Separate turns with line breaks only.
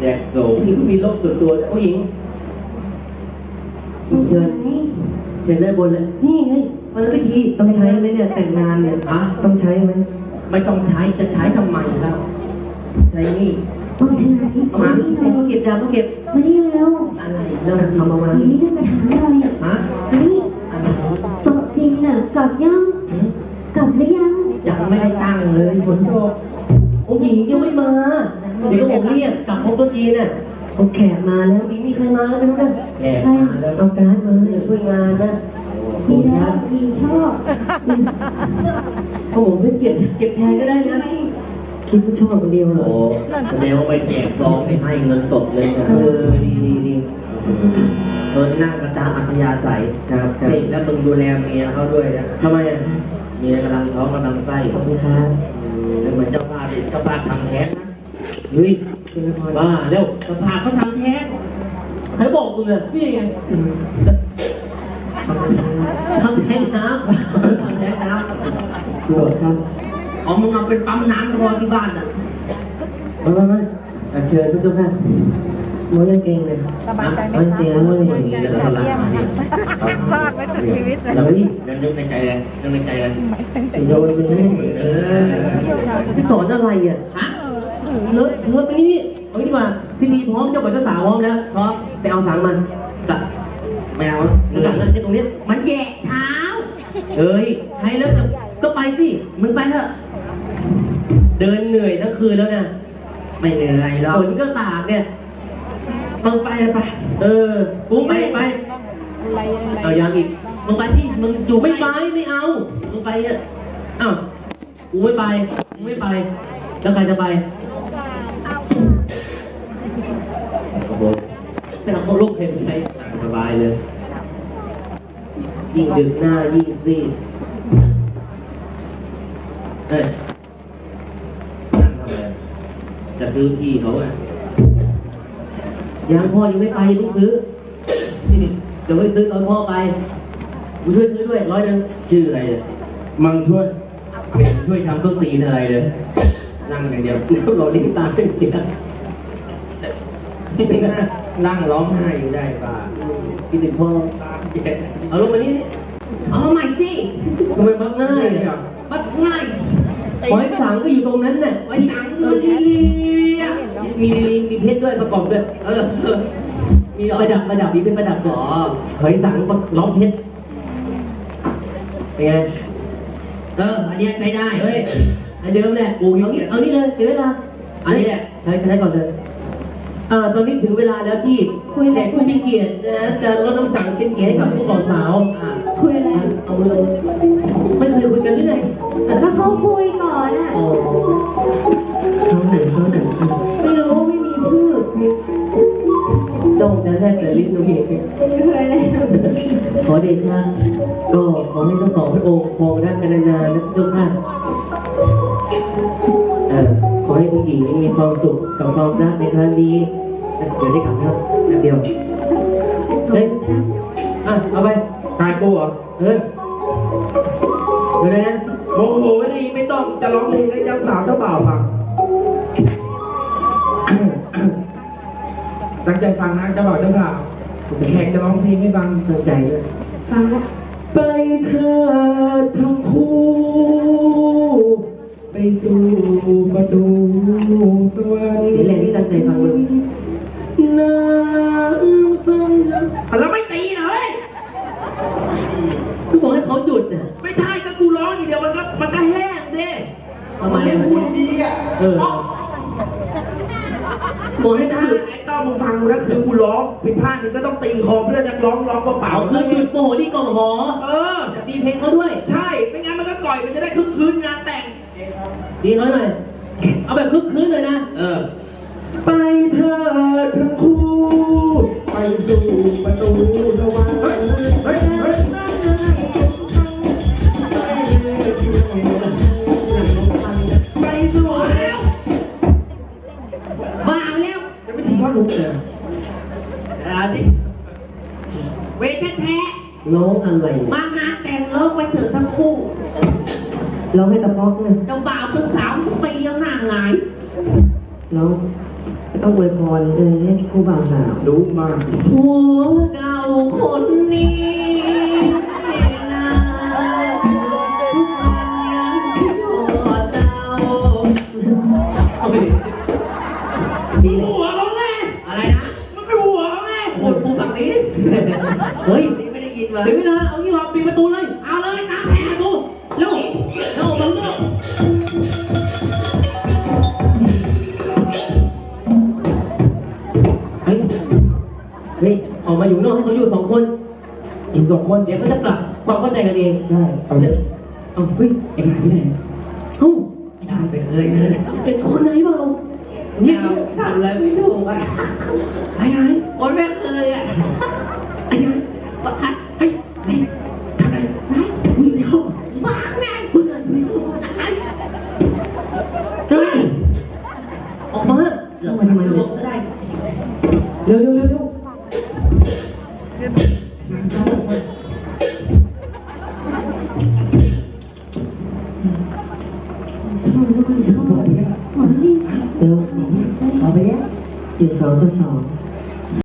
แดกโซ่ผู้หญิงก็มีโรคส่วนตัวผู้หญิงเชิญได้บนเลยนี่ไงวันพิธี
ต้องใช้ไหมเนี่ยแต่งงานเนี่ยต้องใช้ไหม
ไม่ต้องใช้จะใช้ทำไมแล้วใช้นี่
ต้องใช้ไหม
มาแต่ก็เก็บดาวก็เก็บ
มานี่เร็ว
อะไรแล้วเอามา
นี่น่าจะถามหน่อย
ฮะ
นี่ตกจริงน่ะกลับยังกลับหรือยัง
ไม่ได้ตั้งเลยฝนตกองค์หญิงยังไม่มาเดี๋ยวก็ผมเรียกกลับพบตัวจีนน่ะ
เอาแขกมาแล้ว
มีใครมาไม่รู้นะแขกมาแล้ว
เอาการ์ดมา
ช่วยงานนะ
ดีแล้วยิงชอบ
ผมเก็บแทนก็ได้นะ
คิดว่าชอบคนเดียวเหรอ
แสดงว่าไปแจกซองให้เงินสดเลยนะดีนั่งกระตามอัธยาศัยครับแล้วมึงดูแลเมียเขาด้วยนะทำไมอ่ะเมียกำลังท้องกำลังไส้
ขอบคุณครับ
เหมือนเจ้าภาพทำแท้งนะเฮ้ยบ้าแล้วเจ้าภาพเขาทำแท้งใครบอกมึงอ่ะนี่ไงทำแท้งน้ำ
ชัวร์ครับ
เอามึงเอาเป็นปั๊มน้ำรอที่บ้านอ่ะไม่เชิญทุกท่าน
ม้วนเก่งเลย
สบายใจไหมคะพลาดไว้ถึงชีวิตเลย
แล้วนี่นึกในใจเลยโดนไปนี่พี่สอนอะไรอ่ะฮะเลิกไปนี่เอาดีกว่าพิธีพร้อมเจ้าบ่าวเจ้าสาวพร้อมแล้วพร้อมไปเอาสังมันจะไม่เอาหลังตรงนี้มันแย่เท้าเอ้ยใช้แล้วก็ไปสิมึงไปเถอะเดินเหนื่อยทั้งคืนแล้วเนี่ยไม่เหนื่อยหรอกฝนก็ตากเนี่ยมึงไปกูไปเอายังอีกมึงไปที่มึงอยู่ไม่ไปไม่เอามึงไปเนี่ยอ้าวกูไม่ไปแล้วใครจะไปแต่เขาลูกใครไปใช้สบายเลยยิ่งดึกหน้ายิ่งซีดนั่งทำอะไรจะซื้อที่เขาอ่ะยังพ่อยังไม่ไปลูกซื้อเดี๋ยวไปซื้อตอนพ่อไปกูช่วยซื้อด้วย100ชื่ออะไรเนี่ยมังช่วยทำส้นตีนอะไรเลยนั่งอย่างเดียวเราลิ้นตาเป็นเดียวนั่งร้องไห้อยู่ได้ป่ะกินถึงพ่อเอาลงมานี่เอาใหม่สิทำไมมักง่ายเนี่ยมักง่ายหอยสังก็อยู่ตรงนั้นน่ะหอยสังมีเพชรด้วยประกอบด้วยมีประดับมีเป็นประดับอ๋อหอยสังร้องเพชรเป็นไงอันนี้ใช้ได้เฮ้ยอันเดิมแหละปูยองเนี่ยเอานี่เลยเดี๋ยวเวลาอันนี้แหละใช้ก่อนเลยตอนนี้ถึงเวลาแล้วที่แขกผู้มีเกียรตินะจะลดน้ำสังเป็นเกียรติให้กับผู้บ่าวสาว
คุยอะไร
เอาเลยไม่เคยคุยกันเรื่อย
ก็เขาคุยก่อนอ่ะ
เขาไหน
ไม่รู้ไม่มีชื่อ
จ้องจะแลกแต่ลิ้นตัวเอง
เคยเลย
ขอเดชะก็ขอให้ทั้งสองพระองค์ครองรักกันนานๆนะเจ้าค่ะขอให้องค์หญิงมีความสุขกับความรักในครั้งนี้เดี๋ยวได้กลับแล้วเดียวเฮ้ยเอาไปกายกูเหรอเดี๋ยวนะโมโหดีไม่ต้องจะร้องเพลงให้เจ้าสาวเจ้าบ่าวฟังตั้งใจฟังนะเจ้าบ่าวเจ้าสาวแขกจะร้องเพลงให้ฟังตั้งใจด้วย
ฟังละ
ไปเธอทั้งคู่ไปสู่ประตูสวรรค์เสียแรงที่ตั้งใจฟังเลยน้ำฟังแล้วไม่ตีเลยกูบอกให้เขาหยุดน่ะไม่ใช่ก็กูร้องอย่างเดียวมันก็แห้งดิทำไมมันพูดดีอ่ะบอกให้หยุดไอ้ต้อมึงฟังกูนะคือกูร้องผิดพลาดนึงก็ต้องตีคอเพื่อนนักร้องเปล่าคือหยุดโมโหที่กองหอจะตีเพลงเขาด้วยใช่ไม่งั้นมันก็ก่อยมันจะได้คึกคืนงานแต่งดีเขาหน่อยเอาแบบคึกคืนเลยนะไปเธอทั้งคู่ไปสู่ประตูสวรรค์ไปสู่แล้วบ้าแล้วจะไม่ถึงท่อนลุกเลยสิเวทแท้ร้องอะไรมางานแต่งร้องไปเถอะทั้งคู่
ร้องให้ตะป๊อกเลย
เจ้าบ่าวเจ้าสาวทุกปียังหน้าหงาย
ร้องตต้องอวยพรให้คู่บ่าวสาว
รู้มาก
ผัวเก่าคนนี้นะทุกวันยังคิดทอดเจ้าเอาไปดิดีเลย
หัวเขาไง
อะไรนะ
มันเป็นหัวเขาไง
พูดฝั่งนี้ดิเฮ้ยนี่ไม่ได้ยินว่ะเดี๋ยวเวลาเอางี้ว่ะปิดประตูเลย เอาเลยน้ำแพ้ประตูเร็วเร็วมันเร็วเฮ้ยเฮ้ยออกมาอยู่นอกให้เขาอยู่2 คน
อีก2 คน
เดี๋ยวเขาจะปรับความเข้าใจกันเอง
ใช่เอาเลย
เอาเฮ้ย
ไอ้หายไปไหน
เอ้าได้ไปเลยเป็นคนไหนเปล่าเนี่ยทำอะไรไม่ถูกอ่ะไอ้ไงคนแรกเลยอ่ะไอ้ไงปะทัดไอ้ไอ้ทำอะไรไหนมึงอยู่ในห้องบ้าไงมึงอยู่ในห้องไหนเฮ้ยออกมาเรามาทำไมเนี่ยก็ได้เร็วเร็วเร็วเร็ว
ชอบด้วยชอบหมดเลย
เร็ว
เอาไปเนี่ย
อยู่2 ต่อ 2